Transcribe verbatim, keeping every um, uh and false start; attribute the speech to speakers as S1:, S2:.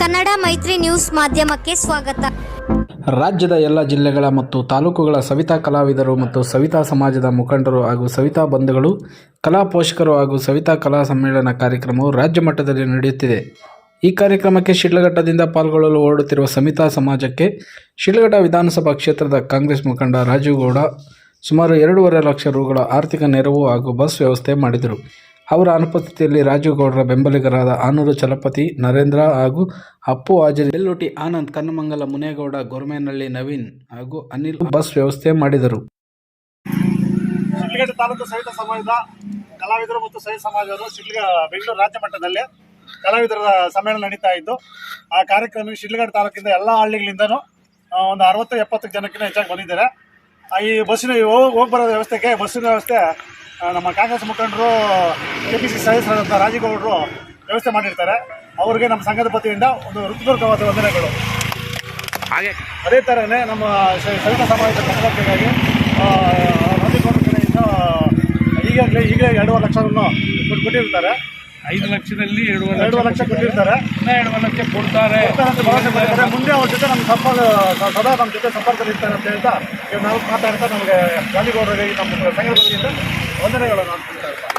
S1: ಕನ್ನಡ ಮೈತ್ರಿ ನ್ಯೂಸ್ ಮಾಧ್ಯಮಕ್ಕೆ ಸ್ವಾಗತ.
S2: ರಾಜ್ಯದ ಎಲ್ಲ ಜಿಲ್ಲೆಗಳ ಮತ್ತು ತಾಲೂಕುಗಳ ಸವಿತಾ ಕಲಾವಿದರು ಮತ್ತು ಸವಿತಾ ಸಮಾಜದ ಮುಖಂಡರು ಹಾಗೂ ಸವಿತಾ ಬಂಧುಗಳು, ಕಲಾ ಪೋಷಕರು ಹಾಗೂ ಸವಿತಾ ಕಲಾ ಸಮ್ಮೇಳನ ಕಾರ್ಯಕ್ರಮವು ರಾಜ್ಯ ಮಟ್ಟದಲ್ಲಿ ನಡೆಯುತ್ತಿದೆ. ಈ ಕಾರ್ಯಕ್ರಮಕ್ಕೆ ಶಿಡ್ಲಘಟ್ಟದಿಂದ ಪಾಲ್ಗೊಳ್ಳಲು ಹೊರಡುತ್ತಿರುವ ಸವಿತಾ ಸಮಾಜಕ್ಕೆ ಶಿಡ್ಲಘಟ್ಟ ವಿಧಾನಸಭಾ ಕ್ಷೇತ್ರದ ಕಾಂಗ್ರೆಸ್ ಮುಖಂಡ ರಾಜೀವ್ ಗೌಡ ಸುಮಾರು ಎರಡೂವರೆ ಲಕ್ಷ ರುಗಳ ಆರ್ಥಿಕ ನೆರವು ಹಾಗೂ ಬಸ್ ವ್ಯವಸ್ಥೆ ಮಾಡಿದರು. ಅವರ ಅನುಪಸ್ಥಿತಿಯಲ್ಲಿ ರಾಜೀವ್ ಗೌಡರ ಬೆಂಬಲಿಗರಾದ ಆನೂರು ಚಲಪತಿ, ನರೇಂದ್ರ ಹಾಗೂ ಅಪ್ಪು ಹಾಜರಿ, ಬೆಲ್ಲೋಟಿ ಆನಂದ್, ಕನ್ನಮಂಗಲ ಮುನೇಗೌಡ, ಗೊರಮೇನಹಳ್ಳಿ ನವೀನ್ ಹಾಗೂ ಅನಿಲ್ ಬಸ್ ವ್ಯವಸ್ಥೆ ಮಾಡಿದರು.
S3: ಶಿಡ್ಲಘಟ್ಟ ತಾಲೂಕು ಸವಿತಾ ಸಮಾಜದ ಕಲಾವಿದರು ಮತ್ತು ಸವಿತಾ ಸಮಾಜರು ಶಿಡ್ಲಘ ಬೆಂಗಳೂರು ರಾಜ್ಯ ಮಟ್ಟದಲ್ಲಿ ಕಲಾವಿದರ ಸಮ್ಮೇಳನ ನಡೀತಾ ಇದ್ದು, ಆ ಕಾರ್ಯಕ್ರಮಕ್ಕೆ ಶಿಡ್ಲಘಟ್ಟ ತಾಲೂಕಿಂದ ಎಲ್ಲ ಹಳ್ಳಿಗಳಿಂದನೂ ಒಂದು ಅರವತ್ತು ಎಪ್ಪತ್ತು ಜನಕ್ಕಿಂತ ಹೆಚ್ಚಾಗಿ ಬಂದಿದ್ದಾರೆ. ಈ ಬಸ್ಸಿನ ಹೋಗಿ ಹೋಗಿ ಬರೋ ವ್ಯವಸ್ಥೆಗೆ ಬಸ್ಸಿನ ವ್ಯವಸ್ಥೆ ನಮ್ಮ ಕಾಂಗ್ರೆಸ್ ಮುಖಂಡರು, ಕೆ ಪಿ ಸಿ ಸದಸ್ಯರಾದಂಥ ರಾಜೀವ್ ಗೌಡರು ವ್ಯವಸ್ಥೆ ಮಾಡಿರ್ತಾರೆ. ಅವರಿಗೆ ನಮ್ಮ ಸಂಘದ ವತಿಯಿಂದ ಒಂದು ಹೃತ್ಪೂರ್ವಕವಾದ ವಂದನೆಗಳು. ಹಾಗೆ ಅದೇ ಥರನೇ ನಮ್ಮ ಸವಿತಾ ಸಮಾಜದ ಕಲಾವಿದರಿಗಾಗಿ ರಾಜೀವ್ ಗೌಡರ ಕಡೆಯಿಂದ ಈಗಾಗಲೇ ಈಗಲೇ ಎರಡೂವರೆ ಲಕ್ಷವನ್ನು ಕೊಟ್ಟಿರ್ತಾರೆ.
S4: ಐದು ಲಕ್ಷದಲ್ಲಿ ಎರಡೂವರೆ
S3: ಎರಡೂವರೆ ಲಕ್ಷ ಕೊಟ್ಟಿರ್ತಾರೆ.
S4: ಇನ್ನೂ ಎರಡೂವರೆ ಲಕ್ಷ ಕೊಡ್ತಾರೆ.
S3: ಮುಂದೆ ಅವ್ರ ಜೊತೆ ನಮ್ಮ ಸಂಪರ್ಕ ಸದಾ ನಮ್ಮ ಜೊತೆ ಸಂಪರ್ಕದಲ್ಲಿ ಇರ್ತಾರೆ ಅಂತ ಹೇಳ್ತಾ ನಾವು ಮಾತಾಡ್ತಾ ನಮಗೆ ರಾಜೀವ್ ಗೌಡರಿಗೆ ನಮ್ಮ ಸಂಘದ ವತಿಯಿಂದ ವಂದನೆಗಳನ್ನು ಅರ್ಪಿಸ್ತಾ ಇರ್ತಾರೆ.